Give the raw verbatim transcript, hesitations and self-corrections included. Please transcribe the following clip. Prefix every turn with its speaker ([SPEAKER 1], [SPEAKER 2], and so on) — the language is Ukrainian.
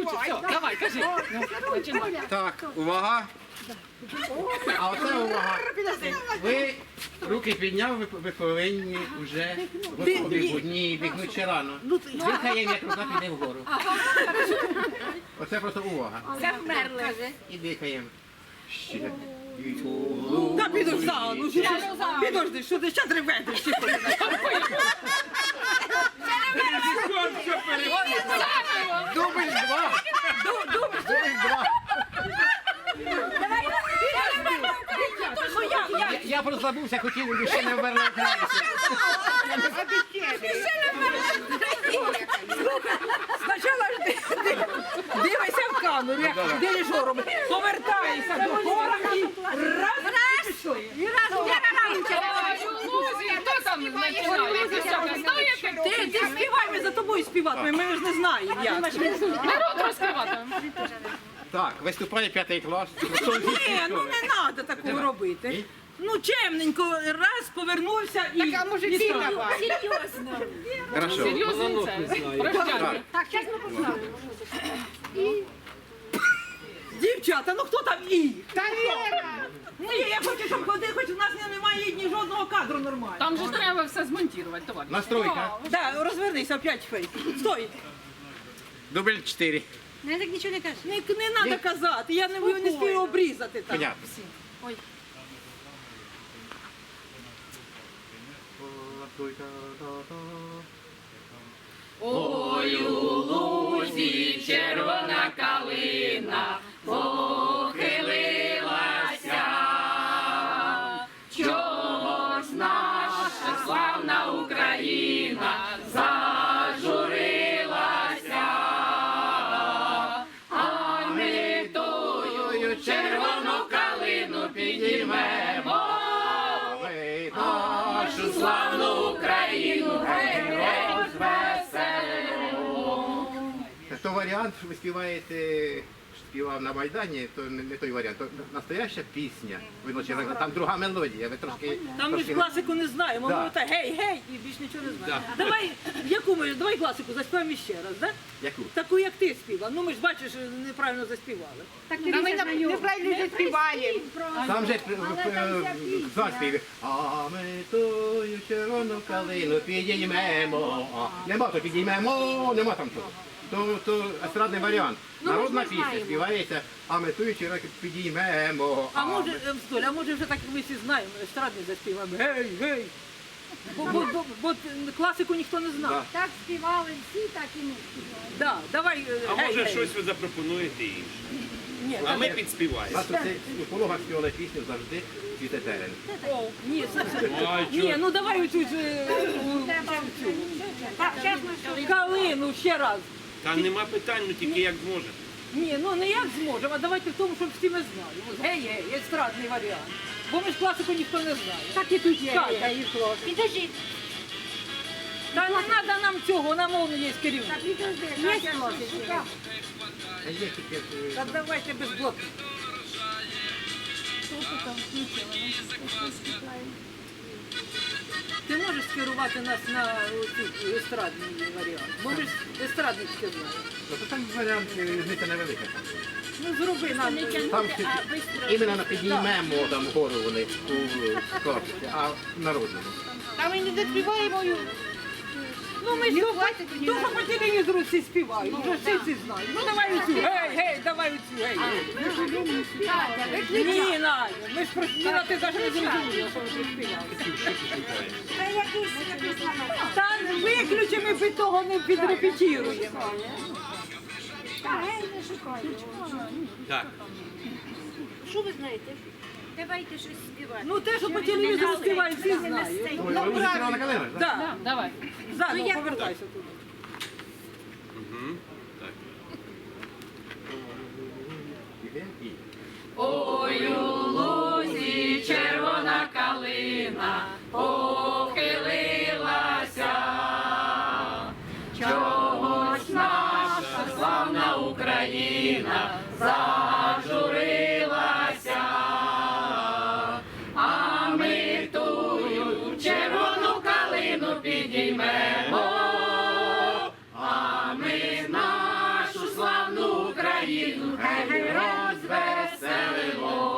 [SPEAKER 1] ключик, все, давай, кажи. Ну, починай.
[SPEAKER 2] Так, увага. А оце увага. Ви руки підняв, ви, ви повинні вже готові будні бігнути ще рано. Дихаємо, як рука піде вгору. Оце просто увага.
[SPEAKER 3] Завмерли.
[SPEAKER 2] І дихаємо. Ще.
[SPEAKER 1] Та підожди, ну що ж, підожди, що ти ще ревеш?
[SPEAKER 2] Дубль два. Дубль два. Я, я просто забувся, хотів, ще не вмерла українці.
[SPEAKER 1] Спочатку ж ти дивися в камеру, як дирижером, повертаєшся до хора і раз, і пішли.
[SPEAKER 3] І разом я на ранче.
[SPEAKER 4] Хто там починає?
[SPEAKER 1] Ти, ти співай, ми за тобою співатимемо, ми ж не знаємо як.
[SPEAKER 4] Народ розкриватиме.
[SPEAKER 2] Так, виступає п'ятий клас.
[SPEAKER 1] Ні, ну не треба такого робити. Ну чемненько, раз, повернувся і... Так, а може
[SPEAKER 3] Серйозно.
[SPEAKER 2] Хорошо.
[SPEAKER 4] Серйозно це. Прощання.
[SPEAKER 3] Так, зараз ми поставимо.
[SPEAKER 1] Дівчата, ну хто там і? Та Віра! Ні, я хочу, щоб ходи, хоч у нас немає ні жодного кадру нормального.
[SPEAKER 4] Там же ж треба все змонтувати, товариш.
[SPEAKER 2] Настройка.
[SPEAKER 1] Так, розвернися, опять фейс. Стой.
[SPEAKER 2] Дубль чотири.
[SPEAKER 3] Не так нічого не кажеш.
[SPEAKER 1] Не, не треба казати, я не, не спію обрізати там.
[SPEAKER 2] Понятно.
[SPEAKER 3] Ой.
[SPEAKER 4] Ой, у лузі червона калина похилилася, чогось наша славна Україна зажурилася, а ми тою червону калину підіймемо, нашу славну Україну, гей, розвеселимо.
[SPEAKER 2] То варіант, що ви співаєте, співав на Майдані, то не, не той варіант, то настояща пісня. Ви ночі, там друга мелодія, ви трошки...
[SPEAKER 1] Там ми ж
[SPEAKER 2] трошки...
[SPEAKER 1] класику не знаємо,
[SPEAKER 2] Да.
[SPEAKER 1] ми так гей, гей, і більш нічого не знаємо.
[SPEAKER 2] Да.
[SPEAKER 1] Давай, яку ми, давай класику заспіваємо ще раз, да?
[SPEAKER 2] Яку?
[SPEAKER 1] Таку, як ти співав. Ну ми ж бачиш, неправильно заспівали.
[SPEAKER 3] Так ти неправильно заспіваємо.
[SPEAKER 2] Там же заспів. А ми тою червону калину підіймемо. А, Нема то підіймемо, нема там того. То, то естрадний варіант. Народна пісня співається, а ми тою червону підіймемо.
[SPEAKER 1] А
[SPEAKER 2] ми-
[SPEAKER 1] може, е, Столя, а може вже так ми всі знаємо, естрадний заспіваємо. Гей, гей. Бо, бо, бо, бо класику ніхто не знав.
[SPEAKER 2] Да.
[SPEAKER 3] Так співали всі, так і ми співали.
[SPEAKER 1] Да, давай, е,
[SPEAKER 5] А
[SPEAKER 1] гей,
[SPEAKER 5] може
[SPEAKER 1] гей.
[SPEAKER 5] щось ви запропонуєте інше?
[SPEAKER 1] Ні,
[SPEAKER 5] А
[SPEAKER 1] так,
[SPEAKER 5] ми
[SPEAKER 2] У
[SPEAKER 5] підспіваємо.
[SPEAKER 2] нас тут у пологах співали пісню завжди цвіте терен.
[SPEAKER 1] о, ні, це, це,
[SPEAKER 5] Ай,
[SPEAKER 1] ні, ну давай оцю ж, е,
[SPEAKER 3] Так, чесно, що
[SPEAKER 1] калину ще раз.
[SPEAKER 5] Та нема питань, ну тільки як зможете.
[SPEAKER 1] Ні, ну не як зможемо, а давайте в тому, щоб всі ми знали. Ось гей, гей, естрадний варіант. Бо ми ж класику ніхто не знає.
[SPEAKER 3] так і тут є.
[SPEAKER 1] Так, я їх клас.
[SPEAKER 3] Підожди.
[SPEAKER 1] Та не треба нам цього, нам он є керівник.
[SPEAKER 3] Так, підожди. Є хлопці.
[SPEAKER 2] А є тільки... е,
[SPEAKER 1] Та давайте без блоку. Ти можеш скерувати нас на цю естрадний варіант? Можеш естрадний сказати.
[SPEAKER 2] Ну, то там варіант е, різниця невелика.
[SPEAKER 1] Ну зроби нам.
[SPEAKER 2] Там всі- іменно на підіймемо там гору вони у класиці, а в народному.
[SPEAKER 3] Та ми не доспіваємо.
[SPEAKER 1] Ну ми ж дуже по телевізору всі співають, вже всі ці знають. Ну давай оцю, гей, гей, давай оцю, гей. Ні, Надя, ми ж про Ніна, ти навіть не зрозуміла, що ви співали.
[SPEAKER 3] Та якийсь якийсь номер.
[SPEAKER 1] Та виключимо, ми під того не підрепетіруємо.
[SPEAKER 3] Та гей, не шукайте.
[SPEAKER 5] Так.
[SPEAKER 3] Що ви знаєте? Давайте щось співати.
[SPEAKER 1] Ну те, що по телевізору співають, всі знають.
[SPEAKER 2] Ой, ви вже червона калина, так?
[SPEAKER 1] Так,
[SPEAKER 4] Давай.
[SPEAKER 1] заново повертайся туди.
[SPEAKER 5] Угу. Так.
[SPEAKER 2] Іде і.
[SPEAKER 4] Ой, у лузі червона калина похилилася, чогось наша славна Україна зажурилася, а ми тую червону калину підіймемо, а ми нашу славну Україну, хай розвеселимо.